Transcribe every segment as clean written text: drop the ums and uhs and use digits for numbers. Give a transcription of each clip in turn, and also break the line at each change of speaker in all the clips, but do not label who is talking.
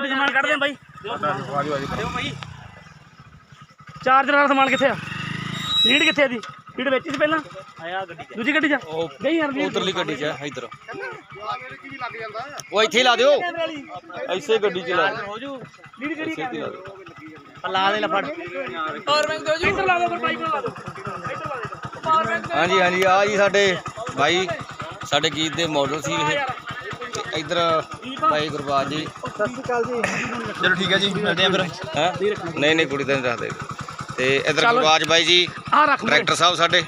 ਵੀ ਸਮਾਨ ਕੱਢਦੇ ਆ ਬਾਈ। ਚਾਰਜਰ ਵਾਲਾ ਸਮਾਨ ਕਿੱਥੇ ਆ? ਲੀਡ ਕਿੱਥੇ ਆ ਦੀ? ਲੀਡ ਵਿੱਚ ਸੀ ਪਹਿਲਾਂ ਆਇਆ ਗੱਡੀ ਚ, ਦੂਜੀ ਗੱਡੀ ਚ ਗਈ ਯਾਰ।
ਉਧਰਲੀ ਗੱਡੀ ਚ ਇੱਧਰ ਉਹ ਇੱਥੇ ਲਾ ਦਿਓ, ਐਸੇ ਗੱਡੀ ਚ ਲਾ
ਹੋ ਜੂ ਲੀਡ ਕਿਹੜੀ
ਲਾ ਦੇ ਲਫੜ।
ਪਾਵਰ ਬੈਂਕ ਦਿਓ ਜੀ, ਇੱਧਰ ਲਾ ਦਿਓ, ਫਿਰ ਬਾਈਕ ਲਾ ਦਿਓ, ਇੱਧਰ ਲਾ ਦਿਓ ਪਾਵਰ ਬੈਂਕ।
ਹਾਂਜੀ ਹਾਂਜੀ ਆ ਜੀ ਸਾਡੇ ਭਾਈ, ਸਾਡੇ ਗੀਤ ਦੇ ਮਾਡਲ ਸੀ ਇਹ। ਤੇ ਇੱਧਰ ਭਾਈ ਗੁਰਬਾਜ ਜੀ।
ਸਤਿ ਸ਼੍ਰੀ ਅਕਾਲ ਜੀ।
ਚਲੋ ਠੀਕ ਹੈ ਜੀ, ਮਿਲਦੇ ਆ ਫਿਰ। ਹੈਂ ਨਹੀਂ ਨਹੀਂ ਕੁੜੀ ਤਾਂ ਨਹੀਂ ਰੱਖਦੇ। ਤੇ ਇੱਧਰ ਗੁਰਬਾਜ ਬਾਈ ਜੀ ਡਾਇਰੈਕਟਰ ਸਾਹਿਬ ਸਾਡੇ।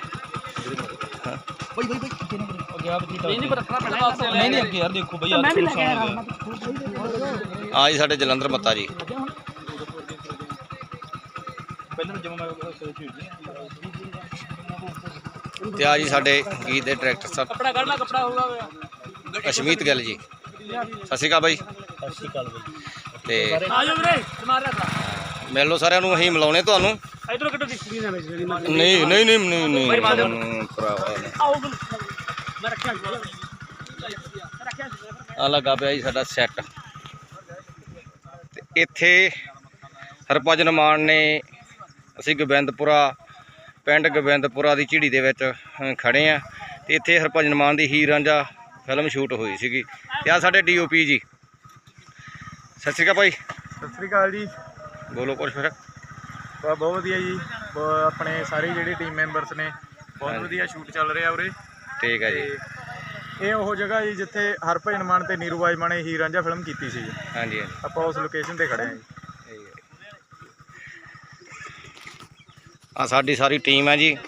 ਨਹੀਂ ਅੱਗੇ ਯਾਰ ਦੇਖੋ ਬਈ, ਮੈਂ ਵੀ ਲੈ ਕੇ ਆਇਆ
ਆ ਜੀ ਸਾਡੇ ਜਲੰਧਰ ਮੱਤਾ ਜੀ। ਤੇ ਆ ਜੀ ਸਾਡੇ ਗੀਤ ਦੇ ਡਾਇਰੈਕਟਰ ਸਾਹਿਬ
ਕੱਪੜਾ ਕੱਢਣਾ, ਕੱਪੜਾ ਹੋਊਗਾ
ਅਸ਼ਮੀਤ ਗਿੱਲ ਜੀ। ਸਤਿ ਸ਼੍ਰੀ ਅਕਾਲ ਬਾਈ।
ਸਤਿ ਸ਼੍ਰੀ ਅਕਾਲ ਬਾਈ।
ਤੇ
ਆ ਜਾਓ ਵੀਰੇ, ਸਮਾਰ ਰੱਖ
ਮਿਲ ਲਓ ਸਾਰਿਆਂ ਨੂੰ, ਅਸੀਂ ਮਿਲਾਉਣੇ ਤੁਹਾਨੂੰ।
ਇਧਰੋਂ ਕੱਢੋ ਡਿਸਪਲਿਨ ਨਾਲ ਵਿੱਚ।
ਨਹੀਂ ਨਹੀਂ ਨਹੀਂ ਨਹੀਂ ਭਰਾਵਾ
ਆਓ ਮੈਂ ਰੱਖਿਆ
ਆ ਲੱਗਾ ਪਿਆ ਜੀ ਸਾਡਾ ਸੈੱਟ। ਤੇ ਇੱਥੇ ਹਰਭਜਨ ਮਾਨ ਨੇ, ਅਸੀਂ ਗੋਬਿੰਦਪੁਰਾ ਪਿੰਡ ਗੋਬਿੰਦਪੁਰਾ ਦੀ ਝਿੜੀ ਦੇ ਵਿੱਚ ਖੜੇ ਆ। ਤੇ ਇੱਥੇ ਹਰਭਜਨ ਮਾਨ ਦੀ ਹੀਰ ਰਾਂਝਾ ਫਿਲਮ ਸ਼ੂਟ ਹੋਈ ਸੀਗੀ। ਤੇ ਆ ਸਾਡੇ DOP ਜੀ। ਸਤਿ ਸ਼੍ਰੀ ਅਕਾਲ ਭਾਈ।
ਸਤਿ ਸ੍ਰੀ ਅਕਾਲ ਜੀ।
ਬੋਲੋ ਕੁਛ ਫਿਰ।
ਬਹੁਤ ਵਧੀਆ ਜੀ। ਆਪਣੇ ਸਾਰੇ ਜਿਹੜੇ ਟੀਮ ਮੈਂਬਰਸ ਨੇ, ਬਹੁਤ ਵਧੀਆ ਸ਼ੂਟ ਚੱਲ ਰਿਹਾ ਉਰੇ।
ਠੀਕ ਹੈ ਜੀ।
ਇਹ ਉਹ ਜਗ੍ਹਾ ਜੀ ਜਿੱਥੇ ਹਰਭਜਨ ਮਾਨ ਤੇ ਨੀਰੂ ਬਾਜਵਾ ਨੇ ਹੀਰ ਰਾਂਝਾ ਫਿਲਮ ਕੀਤੀ ਸੀ ਜੀ।
ਹਾਂਜੀ ਹਾਂਜੀ
ਆਪਾਂ ਉਸ ਲੋਕੇਸ਼ਨ ਤੇ ਖੜੇ ਹਾਂ ਜੀ।
ਆ ਸਾਡੀ ਸਾਰੀ ਟੀਮ ਹੈ ਜੀ।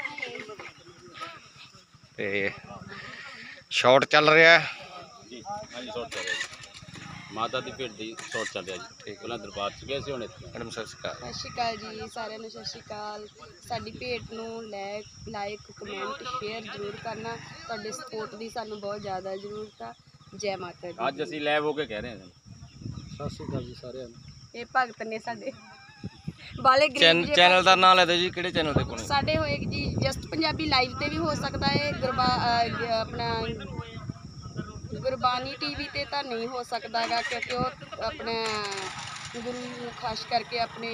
ਤੇ ਸ਼ਾਟ ਚੱਲ ਰਿਹਾ
ਜੀ। ਹਾਂਜੀ ਸ਼ਾਟ ਚੱਲ ਰਿਹਾ ਜੀ। ਮਾਤਾ ਦੀ ਭੇਟ ਦੀ ਸ਼ਾਟ ਚੱਲ ਰਿਹਾ ਜੀ। ਠੀਕ, ਪਹਿਲਾਂ ਦਰਬਾਰ ਚ ਗਏ ਸੀ, ਹੁਣ ਇੱਥੇ।
ਮੈਡਮ ਸਤਿ ਸ਼੍ਰੀ ਅਕਾਲ।
ਸਤਿ ਸ਼੍ਰੀ ਅਕਾਲ ਜੀ ਸਾਰਿਆਂ ਨੂੰ। ਸਤਿ ਸ਼੍ਰੀ ਅਕਾਲ। ਸਾਡੀ ਭੇਟ ਨੂੰ ਲਾਈਕ ਕਮੈਂਟ ਸ਼ੇਅਰ ਜ਼ਰੂਰ ਕਰਨਾ। ਤੁਹਾਡੇ ਸਪੋਰਟ ਦੀ ਸਾਨੂੰ ਬਹੁਤ ਜ਼ਿਆਦਾ ਜ਼ਰੂਰਤ ਆ। ਜੈ ਮਾਤਾ ਦੀ।
ਅੱਜ ਅਸੀਂ ਲੈਬ ਹੋ ਕੇ ਕਹਿ ਰਹੇ ਹਾਂ।
ਸਤਿ ਸ਼੍ਰੀ ਅਕਾਲ ਜੀ ਸਾਰਿਆਂ ਨੂੰ।
ਇਹ ਭਗਤ ਨੇ ਸਾਡੇ ਬਾਲੇ ਗਰੀਬ
ਚੈਨਲ ਦਾ ਨਾਮ ਲੈ ਦਿਓ ਜੀ, ਕਿਹੜੇ ਚੈਨਲ ਤੇ ਪਾਉਣੇ?
ਸਾਡੇ ਹੋਏ ਜੀ ਜਸਟ ਪੰਜਾਬੀ ਲਾਈਵ ਤੇ ਵੀ ਹੋ ਸਕਦਾ ਹੈ। ਆਪਣਾ ਗੁਰਬਾਣੀ TV ਤੇ ਤਾਂ ਨਹੀਂ ਹੋ ਸਕਦਾ ਹੈਗਾ, ਕਿਉਂਕਿ ਉਹ ਆਪਣਾ ਗੁਰੂ ਨੂੰ ਖਾਸ ਕਰਕੇ ਆਪਣੇ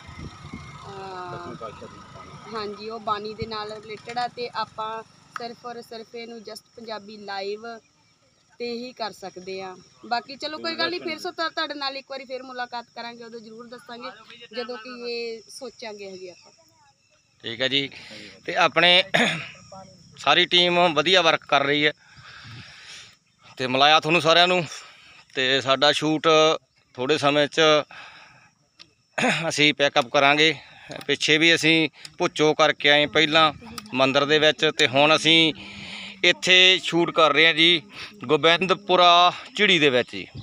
ਹਾਂਜੀ ਉਹ ਬਾਣੀ ਦੇ ਨਾਲ ਰਿਲੇਟਡ ਆ। ਤੇ ਆਪਾਂ ਸਿਰਫ ਔਰ ਸਿਰਫ ਇਹਨੂੰ ਜਸਟ ਪੰਜਾਬੀ ਲਾਈਵ ਤੇ ਹੀ ਕਰ ਸਕਦੇ ਆ। ਬਾਕੀ ਚਲੋ ਕੋਈ ਗੱਲ ਨਹੀਂ, ਫਿਰ ਤੁਹਾਡੇ ਨਾਲ ਇੱਕ ਵਾਰੀ ਫਿਰ ਮੁਲਾਕਾਤ ਕਰਾਂਗੇ, ਉਦੋਂ ਜ਼ਰੂਰ ਦੱਸਾਂਗੇ ਜਦੋਂ ਕਿ ਇਹ ਸੋਚਾਂਗੇ ਹੈਗੇ ਆਪਾਂ।
ਠੀਕ ਹੈ ਜੀ। ਤੇ ਆਪਣੇ ਸਾਰੀ ਟੀਮ ਵਧੀਆ ਵਰਕ ਕਰ ਰਹੀ ਹੈ। ਤੇ ਮਿਲਾਇਆ ਤੁਹਾਨੂੰ ਸਾਰਿਆਂ ਨੂੰ। ਤੇ ਸਾਡਾ ਸ਼ੂਟ ਥੋੜੇ ਸਮੇਂ 'ਚ ਅਸੀਂ ਪੈਕਅਪ ਕਰਾਂਗੇ। ਪਿੱਛੇ ਵੀ ਅਸੀਂ ਭੁੱਚੋ ਕਰਕੇ ਆਏ ਪਹਿਲਾਂ ਮੰਦਿਰ ਦੇ ਵਿੱਚ, ਤੇ ਹੁਣ ਅਸੀਂ ਇੱਥੇ ਸ਼ੂਟ ਕਰ ਰਹੇ ਹਾਂ ਜੀ ਗੋਬਿੰਦਪੁਰਾ ਝਿੜੀ ਦੇ ਵਿੱਚ ਜੀ।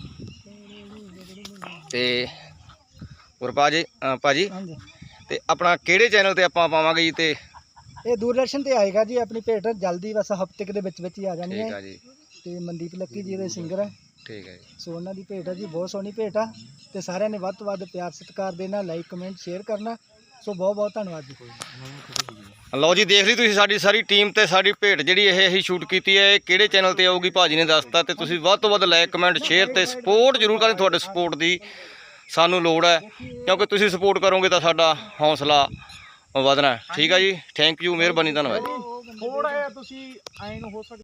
ਤੇ ਗੁਰਪਾਜ ਭਾਜੀ, ਤੇ ਆਪਣਾ ਕਿਹੜੇ ਚੈਨਲ ਤੇ ਆਪਾਂ ਪਾਵਾਂਗੇ ਜੀ? ਤੇ
ਇਹ ਦੂਰਦਰਸ਼ਨ ਤੇ ਆਏਗਾ ਜੀ। ਆਪਣੀ ਭੇਟ ਜਲਦੀ ਬਸ ਹਫ਼ਤੇ ਦੇ ਵਿੱਚ ਹੀ ਆ ਜਾਣੀ
ਠੀਕ
ਹੈ
ਆ ਜੀ।
ਤੇ ਮਨਦੀਪ ਲੱਕੀ ਜੀ ਦੇ ਸਿੰਗਰ ਹੈ।
ਠੀਕ ਹੈ ਜੀ।
ਸੋ ਉਹਨਾਂ ਦੀ ਭੇਟ ਹੈ ਜੀ, ਬਹੁਤ ਸੋਹਣੀ ਭੇਟ ਆ। ਤੇ ਸਾਰਿਆਂ ਨੇ ਵੱਧ ਤੋਂ ਵੱਧ ਪਿਆਰ ਸਤਿਕਾਰ ਦੇਣਾ, ਲਾਈਕ ਕਮੈਂਟ ਸ਼ੇਅਰ ਕਰਨਾ। ਸੋ ਬਹੁਤ ਬਹੁਤ ਧੰਨਵਾਦ ਜੀ।
ਲਓ ਜੀ, ਦੇਖ ਲਈ ਤੁਸੀਂ ਸਾਡੀ ਸਾਰੀ ਟੀਮ ਤੇ ਸਾਡੀ ਭੇਟ ਜਿਹੜੀ ਇਹ ਅਸੀਂ ਸ਼ੂਟ ਕੀਤੀ ਹੈ, ਇਹ ਕਿਹੜੇ ਚੈਨਲ ਤੇ ਆਊਗੀ ਭਾਜੀ ਨੇ ਦੱਸਤਾ। ਤੇ ਤੁਸੀਂ ਵੱਧ ਤੋਂ ਵੱਧ ਲਾਈਕ ਕਮੈਂਟ ਸ਼ੇਅਰ ਤੇ ਸਪੋਰਟ ਜ਼ਰੂਰ ਕरें। ਤੁਹਾਡੇ ਸਪੋਰਟ ਦੀ ਸਾਨੂੰ ਲੋੜ ਹੈ, ਕਿਉਂਕਿ ਤੁਸੀਂ ਸਪੋਰਟ ਕਰੋਗੇ ਤਾਂ ਸਾਡਾ ਹੌਸਲਾ ਵਧਣਾ। ਠੀਕ ਹੈ ਜੀ। ਥੈਂਕ ਯੂ, ਮਿਹਰਬਾਨੀ, ਧੰਨਵਾਦ ਜੀ।
ਥੋੜਾ ਜਿਹਾ ਤੁਸੀਂ ਐਂ ਨੂੰ ਹੋ ਸਕਦਾ